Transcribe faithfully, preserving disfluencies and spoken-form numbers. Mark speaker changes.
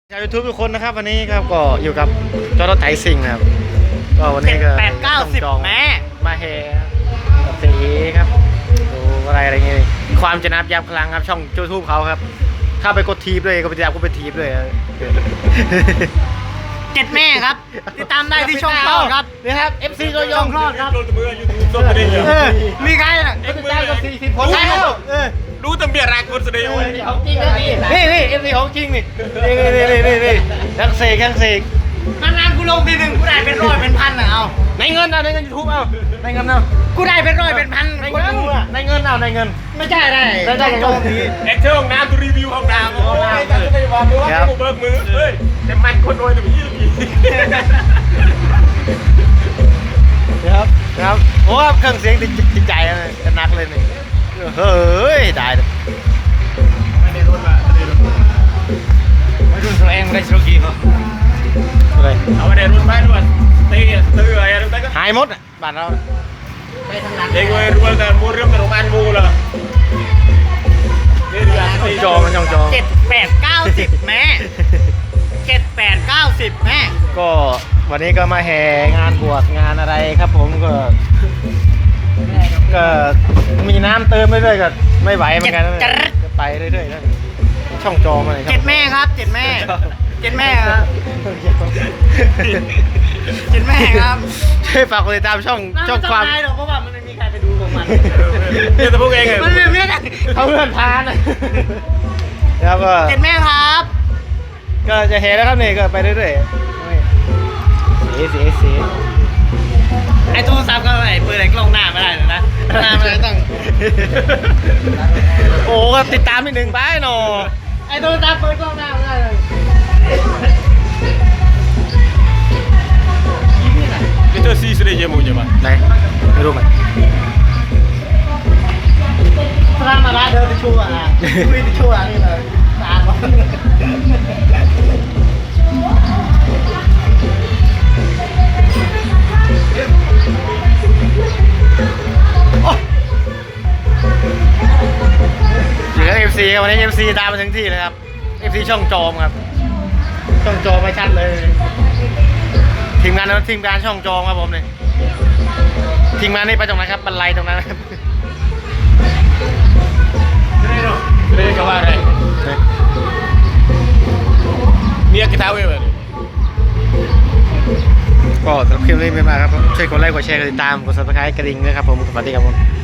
Speaker 1: ชาวยูทูบทุกคนนะครับวันนี้ครับก็อยู่กับจอร์ดไถซิงนะครับก็วันนี้ก็
Speaker 2: แปดเก้าสิบแม่
Speaker 1: มาแห่กับสีครับดูอะไรอะไรเงี้ยความจะนับยับพลังครับช่องยูทูบเขาครับเข้าไปกดทีบเลยก็ไปติดตามก็ไปทีบเลย
Speaker 2: เจ็ดแม่ครับติดตามได้ที่ช่องคลอดครับ
Speaker 1: นี่ครับ เอฟ ซี ตัวย
Speaker 2: ช่
Speaker 1: ง
Speaker 2: องคลอดครับ
Speaker 3: โดนมือยูทูบส้มไปได้ยัง
Speaker 1: เออ
Speaker 2: มีใครน่ะ
Speaker 1: ก็ติดตามกับสี่สิบคนแล้วเออ
Speaker 3: รู้ตำเบียรักคนแสดงว่า
Speaker 1: ของจริงนะนี่นี่นี่เอฟซีของจริงนี่นี่นี่นี่นี่นี่นักเสกนักเสก
Speaker 2: นานๆกูลงทีหนึ่งกูได้เป็นร้อยเป็นพันน่ะเอา
Speaker 1: ในเงินเอาในเงินยูทูบเอาในเงินเอา
Speaker 2: กูได้เป็นร้อยเป็นพัน
Speaker 1: ใน
Speaker 2: คน
Speaker 1: เงิน
Speaker 2: ดูอ่ะ
Speaker 1: ในเงินเอาในเงิน
Speaker 2: ไม่ใช่ได้
Speaker 1: ได้ได้
Speaker 2: โจมที
Speaker 3: แอคเชอร์ห้องน้ำตัวรีวิวห้องน้ำโอ้ยจะได้ว่าไม่ว่ากูเบิกมือเฮ้ยแต่มันคนรวยแต่ไม่ยี่สิบ
Speaker 1: ครับครับโอ้เครื่องเสียงติดติดใจเลยจะนักเลยนี่เฮ้ยได้เลย
Speaker 3: ไม่ได้รถมาไม่ได้รถ
Speaker 2: มาดูตัวเองได้โชคีเขา
Speaker 1: เลย
Speaker 3: เอาไม่ได้รถมาด้วยตีตื้ออะไรอะไรก็
Speaker 1: หายหมดอ่ะบ้านเรา
Speaker 2: ไปทางนั้น
Speaker 3: เด็กวัยรุ่นแต่มูเรื่องแต่โรงพยาบาลมูเลยนี่เดือน
Speaker 1: จอมันช่องจอ
Speaker 2: เจ็ดแปดเก้าสิบแม่เจ็ดแปดเก้าสิบแม่
Speaker 1: ก็วันนี้ก็มาแห่งานบวชงานอะไรครับผมก็ก็มีน้ำเติมเรื่อยๆก็ไม่ไหวเหมือนกันนะจะไปเรื่อยๆนะช่องจอมาเลย
Speaker 2: เจ็ดแม่ครับเจ็ดแม่เจ็ดแม่ครับเจ็ดแม่ครับ
Speaker 1: ช่วยฝากกดติดตามช่องช่องความ
Speaker 2: ไได้หรอกเพราะว่ามันไม่มีใครไปดูของมัน
Speaker 3: เนี่ยแต่พวกเอง
Speaker 2: มันไม่มีใคร
Speaker 1: เขาเลื่อนทานนะครับก็
Speaker 2: เจ็ดแม่ครับ
Speaker 1: ก็จะเห็นแล้วครับนี่ก็ไปเรื่อยๆสีสีสี
Speaker 2: ไอ้โทรศัพท์ก็ไอ้ปืนไอ้กล้องหน้าไม่ได้เลยนะหน้ามันต้อง
Speaker 1: โอ้ก็ติดตามนิดหนึ่งไปหนอ
Speaker 2: ไอ้โทรศัพท์เปิดกล้องหน้าไม่ได้เลย
Speaker 3: นี่เธอซีสเดียมูใช่ไหม
Speaker 1: ไหนไม่รู้ไหม
Speaker 2: พระมาบ้านเดินไปชั่วอ่ะคุยไปชั่วนี่เลยตามวะ
Speaker 1: เหลือเอฟซีครับวันนี้เอฟซีตามมาถึงที่เลยครับเอฟซีช่องจอมครับช่องจอมไม่ชัดเลยทีมงานทีมงานช่องจอมครับผมเนี่ยทีมงานนี่ไปตรงไหนครับบันไลตรงนั้นครับ
Speaker 3: เรียกว่าอะไรเมียกิตาเว้ย
Speaker 1: ก็สำหรับคลิปนี้ไม่มากครับช่วยกดไลค์กดแชร์กดติดตามกดซับสไครต์กระดิ่งด้วยครับผมสวัสดีครับผม